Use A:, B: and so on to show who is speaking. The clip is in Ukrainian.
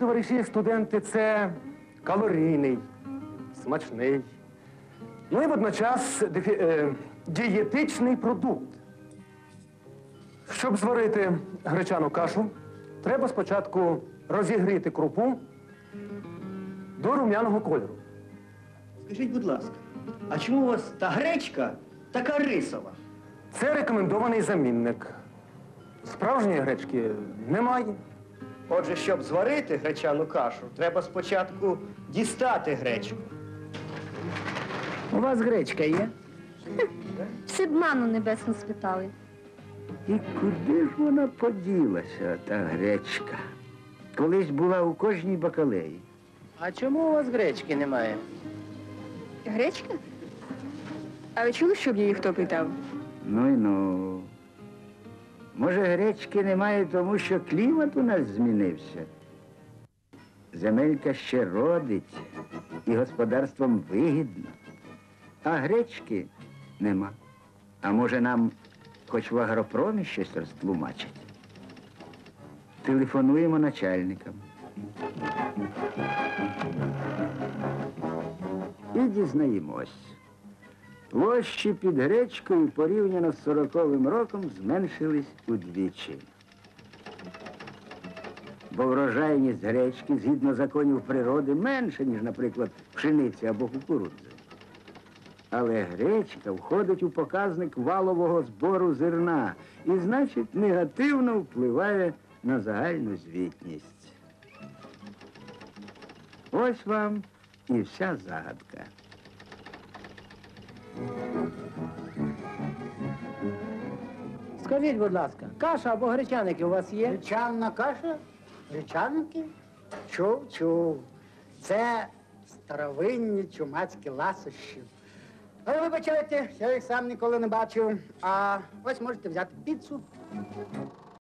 A: товариші студенти, це калорійний, смачний, ну і водночас дієтичний продукт. Щоб зварити гречану кашу, треба спочатку розігріти крупу до рум'яного кольору.
B: Скажіть, будь ласка, а чому у вас та гречка така рисова?
A: Це рекомендований замінник. Справжньої гречки немає.
B: Отже, щоб зварити гречану кашу, треба спочатку дістати гречку.
C: У вас гречка є?
D: Всі б ману небесну спитали.
C: І куди ж вона поділася, та гречка? Колись була у кожній бакалеї. А чому у вас гречки немає?
E: Гречка? А ви чули, щоб її хто питав?
C: Ну й ну. Може, гречки немає, тому що клімат у нас змінився. Земелька ще родить і господарством вигідно. А гречки нема. А може нам хоч в агропромі щось розтлумачить? Телефонуємо начальникам. І дізнаємось. Площі під гречкою порівняно з 40-м роком зменшились удвічі. Бо врожайність гречки, згідно законів природи, менша, ніж, наприклад, пшениці або кукурудзи. Але гречка входить у показник валового збору зерна і, значить, негативно впливає на загальну звітність. Ось вам і вся загадка.
F: Скажіть, будь ласка, каша або гречаники у вас є?
G: Гречана каша? Гречаники? Чув. Це старовинні чумацькі ласощі. Але вибачайте, я їх сам ніколи не бачив. А ось можете взяти піцу.